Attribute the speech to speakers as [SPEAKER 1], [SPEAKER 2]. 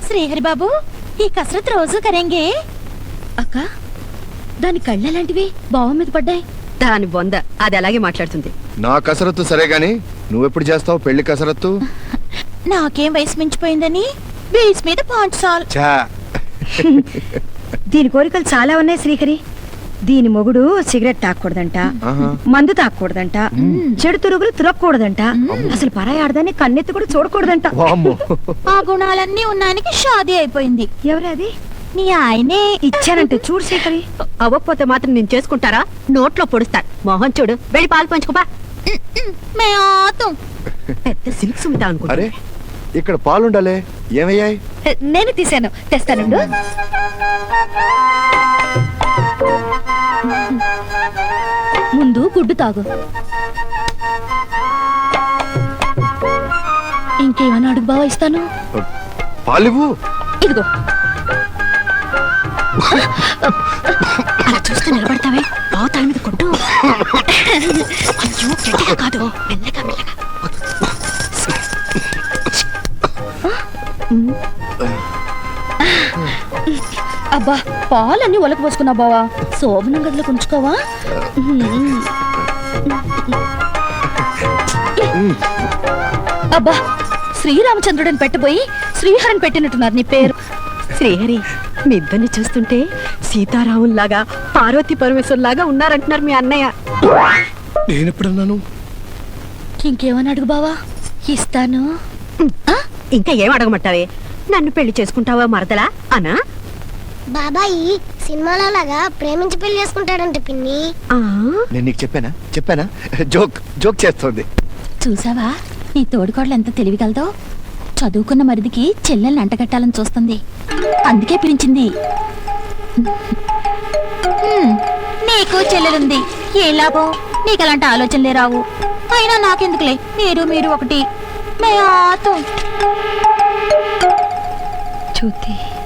[SPEAKER 1] శ్రీహరి బాబు, ఈ కసరత్ రోజు కరేంగే?
[SPEAKER 2] అక్క, దాని కళ్ళు ఎలాంటివి? బావ మీద పడ్డాయి.
[SPEAKER 3] దాని బొంద అది అలాగే మాట్లాడుతుంది.
[SPEAKER 4] నా కసరత్తు సరే గాని నువ్వెప్పుడు చేస్తావు పెళ్లి కసరత్తు?
[SPEAKER 1] నాకేం వయసు మించిపోయిందని బీచ్ మీద పాంచాల్.
[SPEAKER 4] చా
[SPEAKER 2] దీని కోరికలు చాలా ఉన్నాయి శ్రీహరి. దీని మొగుడు సిగరెట్ తాగకూడదంట,
[SPEAKER 4] ఆహా.
[SPEAKER 2] మందు తాగకూడదంట, చెడు తురుగులు తురగకూడదంట, అసలు పరాయి ఆడదాన్ని కన్నెత్తి కూడా చూడకూడదంట.
[SPEAKER 4] వామ్మో.
[SPEAKER 1] ఆ గుణాలన్నీ ఉన్నానికి షాదీ అయిపోయింది.
[SPEAKER 2] ఎవరే అది?
[SPEAKER 1] నీ ఆయనే
[SPEAKER 2] ఇచ్చానంటే చూడు శ్రీహరి.
[SPEAKER 3] అవ్వకపోతే మాత్రం నేను చేసుకుంటారా? నోట్లో పొడుస్తాను. మోహన్ చూడు, వెళ్ళి పాలు పంచుకోపా.
[SPEAKER 1] మే ఆతం.
[SPEAKER 3] పెద్ద సిల్క్ సుమితా అనుకుంటా.
[SPEAKER 4] అరే ఇక్కడ పాలుండాలే, ఏమయ్యాయి?
[SPEAKER 2] నేను తీసాను, తెస్తానుండు.
[SPEAKER 1] ముందు గుడ్డు తాగు. ఇంకేమైనా అడుగు బావ ఇస్తాను.
[SPEAKER 4] పాలివ్వు.
[SPEAKER 1] ఇదిగో.
[SPEAKER 3] అలా చూస్తూ నిలబడతావే, బావతాల మీద కొట్టు. అయ్యో, గట్టిగా కాదు, మెల్లగా మెల్లగా.
[SPEAKER 1] అబ్బా, పాలన్నీ ఒలక పోసుకున్నా బావా. శోభనం గదిలో ఉంచుకోవా? అబ్బా, శ్రీరామచంద్రుడిని పెట్టబోయి శ్రీహరిని పెట్టినట్టున్నారు నీ పేరు.
[SPEAKER 3] శ్రీహరి, మీ ఇద్దరిని చూస్తుంటే సీతారాముల్లాగా పార్వతీ పరమేశ్వరులాగా ఉన్నారంటున్నారు మీ అన్నయ్య.
[SPEAKER 4] నేనెప్పుడన్నాను?
[SPEAKER 1] ఇంకేమని అడుగు బావా, ఇస్తాను.
[SPEAKER 3] ఇంకా ఏం అడగమంటావే? నన్ను పెళ్లి చేసుకుంటావా మరదలా అనా?
[SPEAKER 5] బాబాయి సినిమాలో లాగా ప్రేమించి పెళ్లి చేసుకుంటాడంట పిన్ని.
[SPEAKER 4] నేను నీకు చెప్పానా? జోక్ జోక్ చేస్తోంది.
[SPEAKER 1] చూసావా నీ తోడుకోడలు ఎంత తెలివిగలదో? చదువుకున్న మరిదికి చెల్లెల్ని అంటగట్టాలని చూస్తుంది, అందుకే పిలిచింది. నీకు చెల్లెలుంది, ఏ లాభం? నీకు అలాంటి ఆలోచనలే రావు. అయినా నాకెందుకులే, మీరు ఒకటి. మే ఆతో
[SPEAKER 2] చూతి